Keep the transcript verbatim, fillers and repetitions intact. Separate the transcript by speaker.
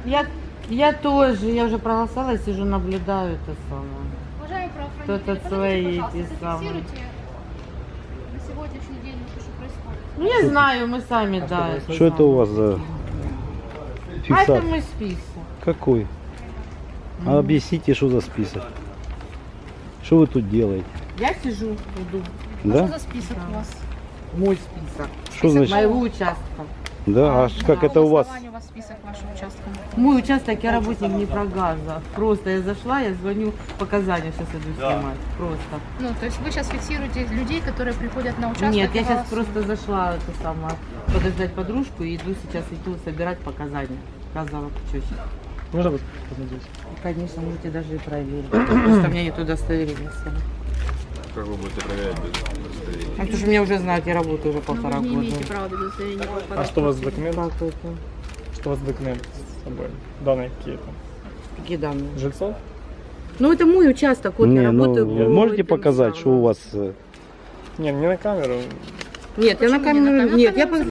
Speaker 1: Я, я тоже, я уже проголосовала, сижу, наблюдаю это самое.
Speaker 2: Уважаемые правоохранители,
Speaker 1: Кто-то
Speaker 2: подойдите,
Speaker 1: свои
Speaker 2: пожалуйста,
Speaker 1: эти самые.
Speaker 2: зафиксируйте на сегодняшний день, что происходит.
Speaker 1: Ну я знаю, мы сами,
Speaker 3: А
Speaker 1: да.
Speaker 3: что
Speaker 4: Что это у вас за
Speaker 1: А это
Speaker 4: фиксация?
Speaker 1: мой список.
Speaker 4: Какой? А объясните, что за список? Что вы тут делаете?
Speaker 1: Я сижу, иду.
Speaker 2: А
Speaker 4: Да?
Speaker 2: что за список у вас?
Speaker 1: Мой список.
Speaker 4: Что значит?
Speaker 1: Моего участка.
Speaker 4: Да, а как
Speaker 2: По
Speaker 4: это у вас?
Speaker 2: голосованию у вас список вашего участка?
Speaker 1: Мой участок, я работник Днепрогаза. Просто я зашла, я звоню, показания сейчас иду снимать. Просто.
Speaker 2: Ну, то есть вы сейчас фиксируете людей, которые приходят на участок?
Speaker 1: Нет,
Speaker 2: и
Speaker 1: я сейчас
Speaker 2: голосуют?
Speaker 1: просто зашла это самое, подождать подружку и иду сейчас иду собирать показания. Сказала, что сейчас.
Speaker 3: Можно вас посмотреть?
Speaker 1: Конечно, можете даже и проверить. Просто у меня нет удостоверения.
Speaker 5: Как вы будете проверять без удостоверения?
Speaker 1: А потому что меня уже знают, я работаю уже
Speaker 2: Но
Speaker 1: полтора
Speaker 2: вы не
Speaker 1: года.
Speaker 2: имеете права без удостоверения.
Speaker 3: А что у вас за документ?
Speaker 1: Как это?
Speaker 3: Что у вас за документ с собой? Данные какие-то?
Speaker 1: Какие данные?
Speaker 3: Жильцов?
Speaker 1: Ну, это мой участок, вот я
Speaker 4: Не,
Speaker 1: работаю.
Speaker 4: ну,
Speaker 1: по
Speaker 4: можете
Speaker 1: этим
Speaker 4: показать, что
Speaker 1: самым.
Speaker 4: у вас... э,
Speaker 3: Не, не на камеру.
Speaker 1: Нет, я на
Speaker 2: Почему не на
Speaker 1: камеру...
Speaker 2: камеру?
Speaker 1: Нет, я
Speaker 2: На камеру